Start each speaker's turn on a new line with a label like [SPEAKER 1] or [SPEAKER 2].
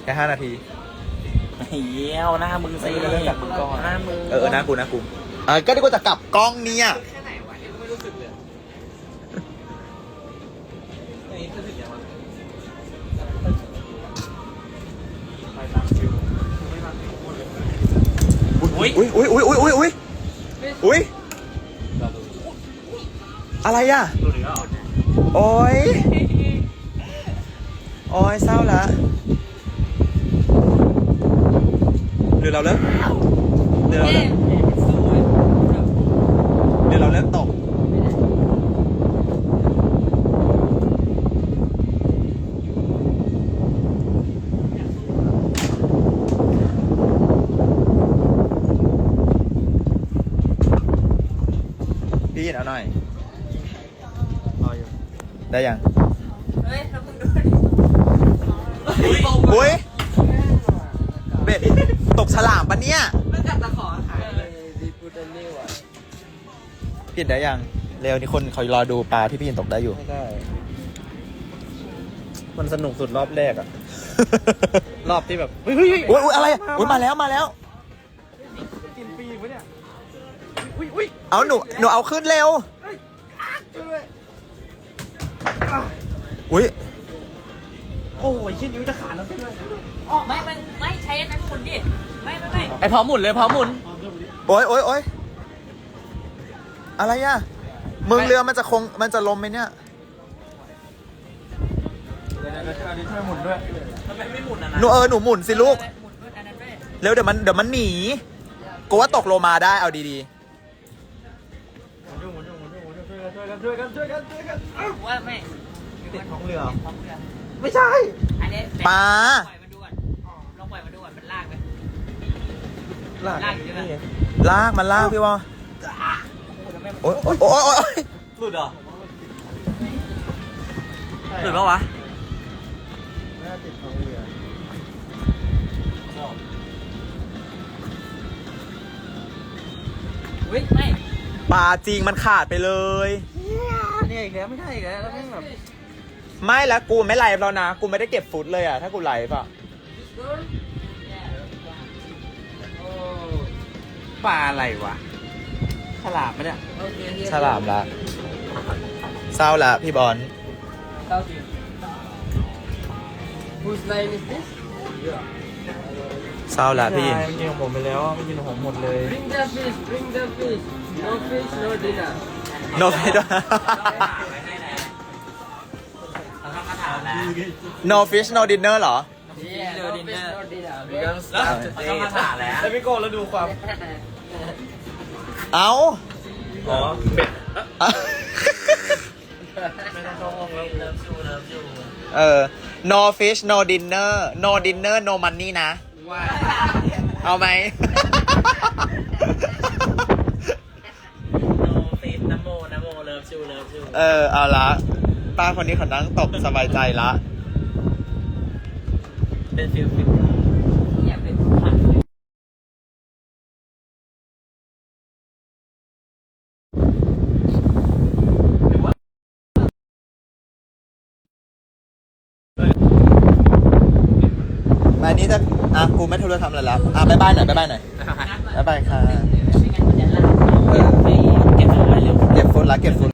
[SPEAKER 1] ค่5 นาที
[SPEAKER 2] เหี้ยวหน้ามึงสิเริ่มจากมึงก่อนหน้ามึง
[SPEAKER 1] หน้ากูก็ดีกว่าจะกลับกล้องเนี่ย
[SPEAKER 2] แค่ไหนวะเนี่ยไม่รู้สึกเลยนี่รู้สึกยังไงไปตามคิวไม่ตามคิวหมดเลย
[SPEAKER 1] อุ้ยอะไรอ่ะโอ้ยเศร้าละหรือเราเลิกตกพี่ยินเอาหน่อยได้ยัง
[SPEAKER 3] เฮ้ยเราเพิ่งดูดิ
[SPEAKER 1] อุ้ยเบ็ดตกฉลามปะเนี่ย
[SPEAKER 3] มันกัดตะขอหายเลย
[SPEAKER 2] ดีพูดได้นี่วะ
[SPEAKER 1] พี่ได้ยังเร็วนี่คนเขารอดูปลาที่พี่ยินตกได้อยู่
[SPEAKER 2] ไม่ได้มันสนุกสุดรอบแรกอะ รอบที่แบบเฮ้ย
[SPEAKER 1] อะไรมาแล้ว
[SPEAKER 2] กินปีวะเนี่ย
[SPEAKER 1] เอาหนูเอาขึ้นเร็วอุ้ย
[SPEAKER 2] โอ้ยชิ้นนิ้วจะขาดแล้วใช่ไหม
[SPEAKER 3] ไม่ใช้อันนั้นหมุนดิไม่
[SPEAKER 2] ไอพร้อมหมุนเลยพร้อมหมุน
[SPEAKER 1] โอ้ยอะไรอ่ะมึงเรือมันจะลมไหมเนี่ย
[SPEAKER 2] เดี๋ยวช่วยหมุนด้วยทำไมไม่หมุนอ่ะนะ
[SPEAKER 1] หนูหมุนสิลูกเร็วเดี๋ยวมันหนีกูว่าตกโลมาได้เอาดี
[SPEAKER 2] ช่วยกัน
[SPEAKER 3] ว่าไม่
[SPEAKER 2] ติดท้องเรือ
[SPEAKER 3] ไม่ใช่อันนี้
[SPEAKER 1] ปลา
[SPEAKER 3] ปล่อยมันดูก่อนลองปล่อยมันดูก่อนมันลากไหม
[SPEAKER 2] ลากอยู่นี่
[SPEAKER 1] มันลากพี่วะโอ้ย
[SPEAKER 2] หลุดเหรอหลุดปะวะน่าติดท้องเรือ
[SPEAKER 3] ไม่
[SPEAKER 1] ปลาจริงมันขาดไปเลย
[SPEAKER 2] เนี่ยอีกแล้วไม่ใช่อีกแล้วแล้วแบบ
[SPEAKER 1] ไม่แล้วกูไม่ไลฟ์แล้วนะกูไม่ได้เก็บฟุตเลยอ่ะถ้ากูไลฟ์อ่ะ
[SPEAKER 2] ปลาอะไรวะฉลามไหมเนี่ย
[SPEAKER 1] ฉลามละเศร้าละพี่บอล
[SPEAKER 3] Whose name is this
[SPEAKER 1] เศร้าละพี่ยิน
[SPEAKER 2] มันกินของผมไปแล้วมันกินของผมหมดเลย
[SPEAKER 3] Bring the fish no fish no dinner
[SPEAKER 1] no fish no fish no dinner เหรอ
[SPEAKER 3] no fish no dinner
[SPEAKER 2] แล้วมาถามแล้วพี่โก้แล้วดูความ
[SPEAKER 1] เอา
[SPEAKER 2] อ๋อเป็ด
[SPEAKER 3] ไม่ต้องเข้าห้องแล้วเลิฟ
[SPEAKER 1] ชูno fish no dinner no dinner no money นะเอาไหม
[SPEAKER 2] โนฟิสนะโมเลิฟชู
[SPEAKER 1] เอาละป้าคนนี้เขานั่งตกสบายใจละ
[SPEAKER 2] เป็นฟิล
[SPEAKER 3] อยากเป็นผัก
[SPEAKER 1] มานี้จะกูไม่ทุเรศทำอะไรแล้วบ๊ายบายหน่อยบ๊ายบายค่ะ
[SPEAKER 3] ไม่งั้นมันจะลาก
[SPEAKER 1] เก็บฟุตละ